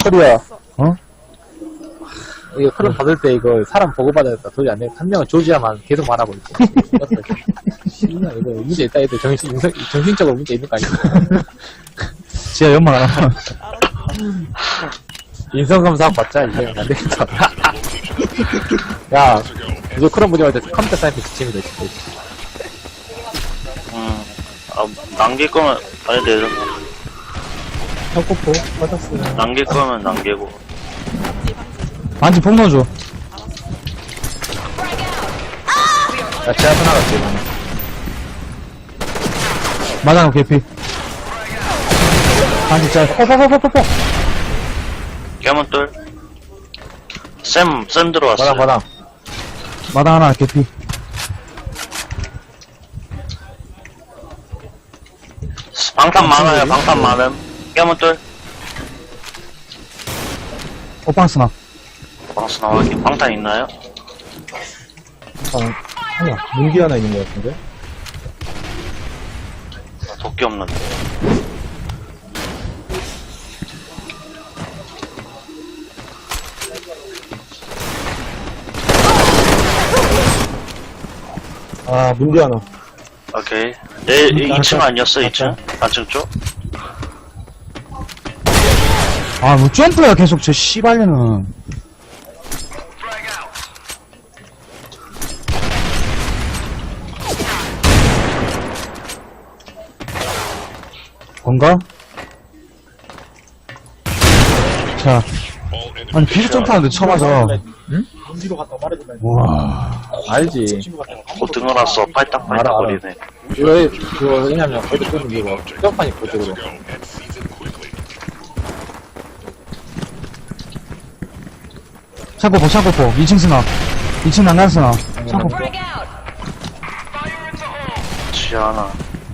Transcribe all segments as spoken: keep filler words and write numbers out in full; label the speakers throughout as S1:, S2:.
S1: 코리아.
S2: 어?
S1: 이거 크롬 받을 때 이거 사람 보고받아야겠다. 도저히 안 돼. 한 명은 조지아만 계속 말하고 있고. 씨발, 이거 문제 있다. 애들 정신, 인성, 정신적으로 문제 있는 거 아니야?
S2: 지하 연막 하나.
S1: 인성검사하고 받자. 이제 안 되겠다. 야, 이거 크롬 문제 받을 때 컴퓨터 사이트 지침이다, 진짜.
S3: 음, 아, 남길 거면, 아니, 내려.
S1: 혁고포 받았어요.
S3: 남길 거면 남기고.
S2: 반지 폭 넣어줘.
S1: 야, 제가 나갔지, 이번에.
S2: 마당 개피. 반지 짤. 퍼퍼퍼퍼퍼.
S3: 깨문 뚫. 쌤, 쌤 들어왔어요.
S1: 바닥, 바닥.
S2: 마당 하나 개피.
S3: 방탄 많아요, 방탄 많음. 깨문 뚫.
S2: 오빵 스나.
S3: 방수 나와기 방탄 있나요?
S1: 아니야, 문기 하나 있는 거 같은데?
S3: 아, 도끼 없는데.
S1: 아, 문기 하나.
S3: 오케이. 내 이 층 아니었어, 이 층? 단층 쪽?
S2: 아, 뭐 점프야, 계속 저 씨발년은. 뭔가? 자. 아니, 비슷 점프하는데 처음 하자.
S1: 응?
S2: 우와.
S1: 알지.
S3: 고등어 났어, 팔딱팔딱거리네.
S1: 왜, 그거, 왜냐면, 거기 끄는 이거, 점판이 그쪽으로.
S2: 창고포, 창고포. 이 층 스나. 이 층 난간 스나. 창고포.
S3: 지하나.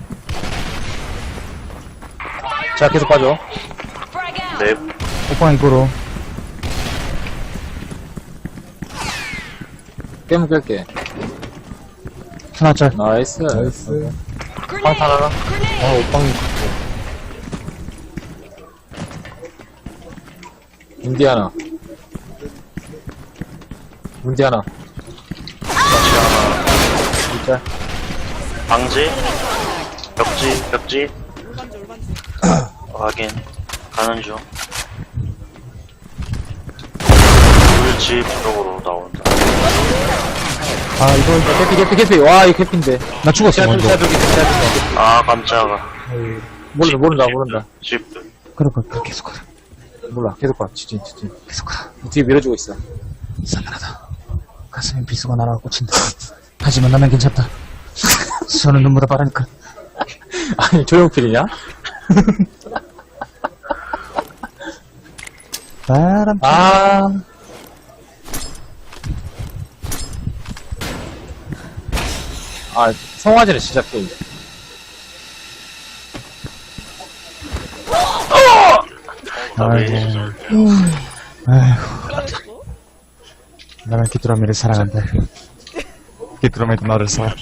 S1: 자, 계속 빠져.
S3: 네,
S2: 오빵 입구로.
S1: 깨면 깰게.
S2: 스나 짤.
S1: 나이스. 나이스. 방탄 하나? 아, 오빵이. 문디 하나. 문디 하나.
S3: 지하나.
S1: 진짜.
S3: 방지. 벽지, 벽지. 확인. 가는 중. 물집 쪽으로 나온다.
S1: 아, 이거, 캐피, 캐피, 캐피. 와, 이 캐피인데.
S2: 나 죽었어, 먼저.
S1: 샤들기, 샤들기.
S3: 아, 깜짝아.
S1: 모른다, 모른다, 모른다.
S3: 집.
S2: 그래, 그래, 계속 가라.
S1: 몰라, 계속 봐. 지진, 지진.
S2: 계속 가라.
S1: 뒤에 밀어주고 있어.
S2: 싸늘하다. 가슴에 비수가 날아가 꽂힌다. 하지만 나는 괜찮다. 손은 눈보다 빠르니까.
S1: 아니, 조용필이냐?
S2: 바람.
S1: 아. 아, 성화제를 시작해.
S2: 아이고. 아이고. 나는 귀뚜라미를 사랑한다. 귀뚜라미도 나를 사랑.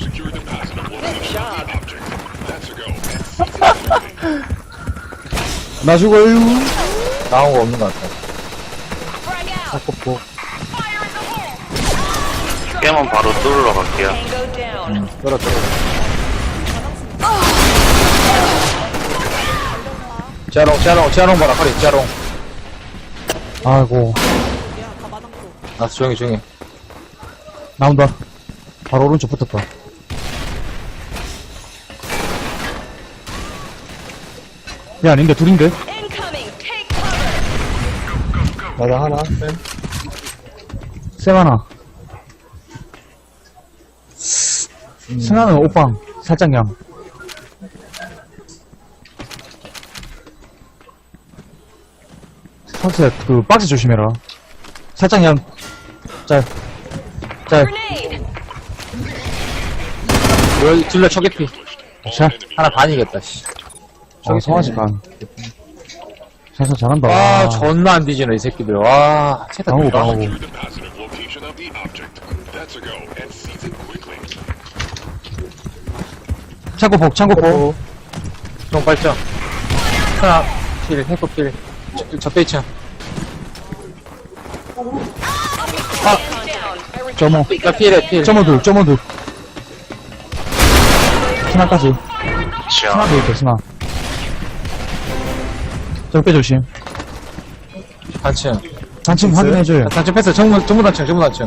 S2: 나 죽어요.
S1: 나온 거 없는 것 같아.
S2: 아깝고.
S3: 깨면 바로 뚫으러 갈게요.
S1: 응, 떨어, 떨어. 지하롱, 지하롱, 지하롱 봐라, 허리, 지하롱.
S2: 아이고.
S1: 아, 조용히, 조용히.
S2: 나온다. 바로 오른쪽 붙었다. 야, 아닌데, 둘인데?
S1: 마당 하나, 쌤.
S2: 쌤 하나. 승하는 오빵. 살짝 양. 선수야, 그, 박스 조심해라. 살짝 양. 짤. 짤.
S1: 여기 둘러 초계피.
S2: 자.
S1: 하나 반이겠다, 씨.
S2: 저기 성화지 반. 선수 잘한다.
S1: 와, 존나 안 뒤지네, 이 새끼들. 와, 채다
S2: 방어구,
S1: 들어가.
S2: 방어구. 창고폭, 창고폭.
S1: 좀 발전. 하나, 필, 해코 필. 저, 저 빼있죠.
S2: 점오.
S1: 야, 피해래, 피해.
S2: 점오 둘, 점오 둘. 스나까지.
S3: 지하.
S2: 스나도 있대, 스나. 적배 조심.
S1: 단층.
S2: 단층 확인해줘요.
S1: 단층 패스, 정문, 정문 단층, 정문 단층.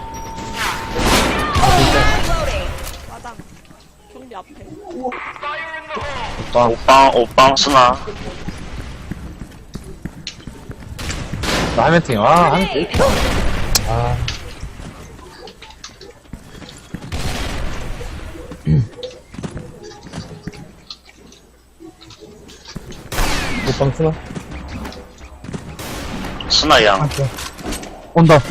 S4: 마당. 경비 앞에.
S3: 오빵, 오빵 스나.
S1: 나 하멘팅. 아, 하멘팅. 왜 이렇게 아. 못방 쓰나?
S3: 스나 양.
S2: 온다.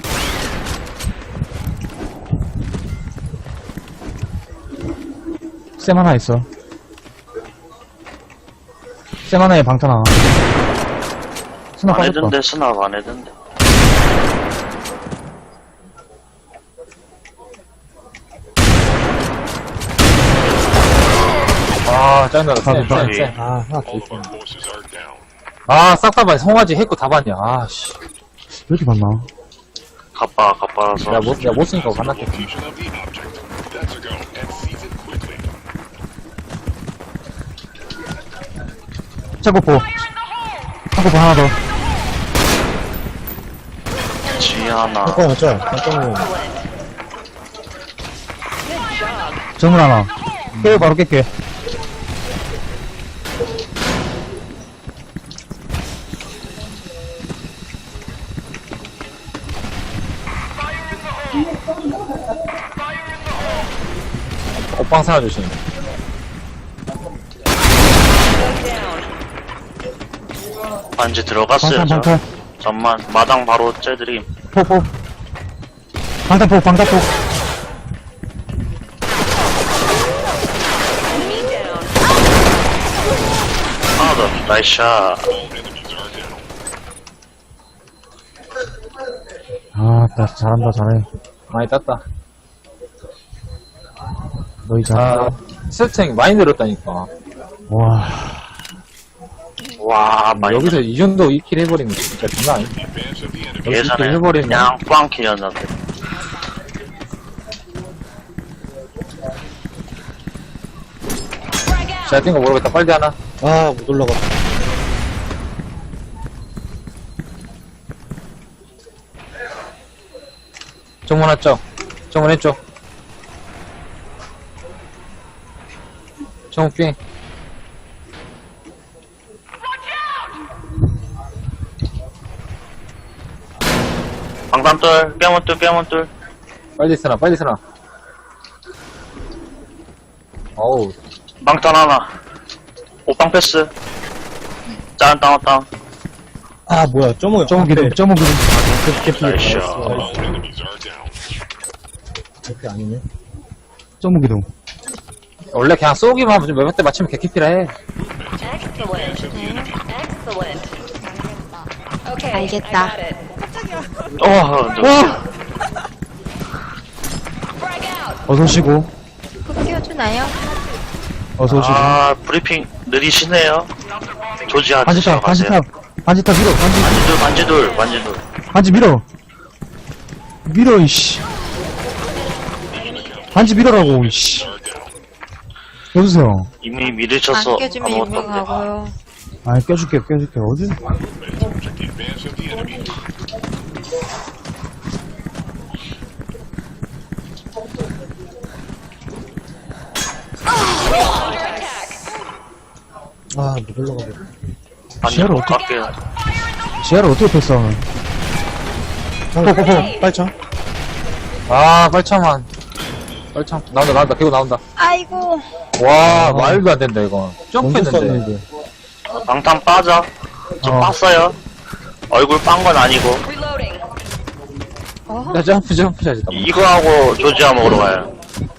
S2: 쌤 하나 있어. 쌤 하나에 방탄 하나. 스나
S3: 안
S2: 빠졌다.
S3: 해든데, 스나가 안 해든데.
S1: 아, 짜증나. 쎄,
S2: 아,
S1: 쎄,
S3: 네.
S1: 쎄. 아, 하나 더 있어. 아, 싹 다 봐. 송아지 했고 다 봤냐. 아, 씨.
S2: 왜 이렇게 많나?
S3: 가빠, 가빠라서.
S1: 야, 못, 야, 못 쓰니까 반납겠다.
S2: 차고포. 차고포 하나 더.
S3: 지하나.
S1: 맞죠? 깜짝이야.
S2: 정문 하나. 깨요, 바로 깰게.
S1: 옷방 사나 조심.
S3: 반지 들어갔어요,
S2: 방탄,
S3: 저.
S2: 방탄.
S3: 잠만, 마당 바로 째드림.
S2: 포포. 방탄포, 방탄포.
S3: 하나 더, 나이스 샷.
S2: 아, 나 잘한다, 잘해.
S1: 많이 땄다.
S2: 너희 잘한다.
S1: 아, 세팅 많이 늘었다니까.
S2: 와.
S3: 와, 많이.
S1: 여기서 이 정도 이 킬 해버리면 진짜 장난 아니야.
S3: 예전에
S1: 해버리면
S3: 그냥 꽝킬이었는데.
S1: 잘 뛴 거 모르겠다. 빨리 하나. 아, 못 올라가. 정문 왔죠? 정문 했죠? 정문 삥.
S3: 방탄돌, 뼈문돌, 뼈문돌.
S1: 빨리 쓰나, 빨리 쓰나. 어우,
S3: 방탄 하나. 오빵 패스. 짠, 다운, 다운.
S1: 아, 뭐야, 점오야.
S2: 점오 기둥, 점오 기둥.
S3: 나이스 샷.
S1: 그렇게 아니네.
S2: 점오 기둥.
S1: 원래 그냥 쏘기만 하면 몇몇 대 맞추면 개키피라 해.
S5: Excellent. Excellent. Okay,
S4: 알겠다.
S5: I got it.
S3: 어, 누구?
S5: Frag out.
S2: 어서 오시고.
S4: 그 띄워주나요?
S2: 어서 오시고.
S3: 아, 브리핑 느리시네요. 조지아
S2: 반지탑,
S3: 가세요.
S2: 반지탑. 반지탑 밀어, 반지.
S3: 반지돌, 반지돌, 반지돌.
S2: 반지 밀어. 밀어, 이씨. 반지 밀어라고, 이씨. 여보세요.
S3: 이미 미르쳐서
S4: 안 껴주면
S3: 아무것도 없네.
S4: 유명하고요.
S2: 아니, 껴줄게, 껴줄게. 어디?
S1: 아, 못 올라가겠다.
S3: 반지
S2: 지하로
S3: 못
S2: 어떻게-
S3: 갈게요.
S2: 지하를 어떻게 패스하는?
S1: 포포포, 빨리 쳐. 아, 빨리 쳐만. 빨리 쳐. 나온다, 나온다. 개고 나온다.
S4: 아이고.
S1: 와, 말도 안 된다, 이거. 점프했는데.
S3: 방탄 빠져. 좀
S2: 어.
S3: 빻어요. 얼굴 빤 건 아니고.
S5: Reloading.
S4: 어?
S1: 야, 점프, 점프 샷이다.
S3: 이거 하고 조지아 먹으러 가요.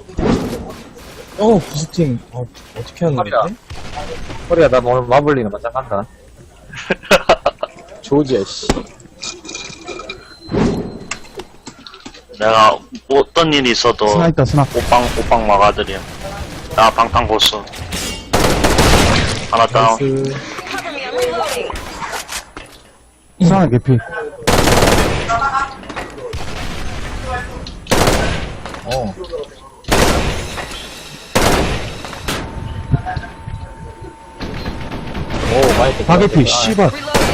S6: 어, 부스팅. 어, 어떻게 하는
S1: 허리야.
S6: 거지?
S1: 허리야, 나 오늘 마블링은 맞짱 간다. 조지야, 씨.
S3: 내가 어떤 일이 있어도
S2: 스나 있다, 스나.
S3: 오빵, 오빵 막아드림. 나 방탄 고수. 하나 다운.
S1: 나이스.
S5: Cover me. I'm reloading.
S2: 스나 개피.
S6: 어.
S1: 오, 마이크.
S2: 바게피, 씨발.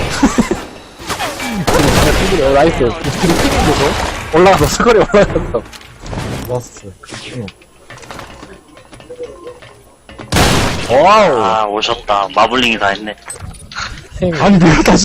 S1: 어, 나이스. 우리 팀인데도 올라가서 스거리 올라가서.
S6: 좋았어. 응.
S1: 와우.
S3: 아, 오셨다. 마블링이 다 했네.
S1: 생
S2: 아니, 내가 다시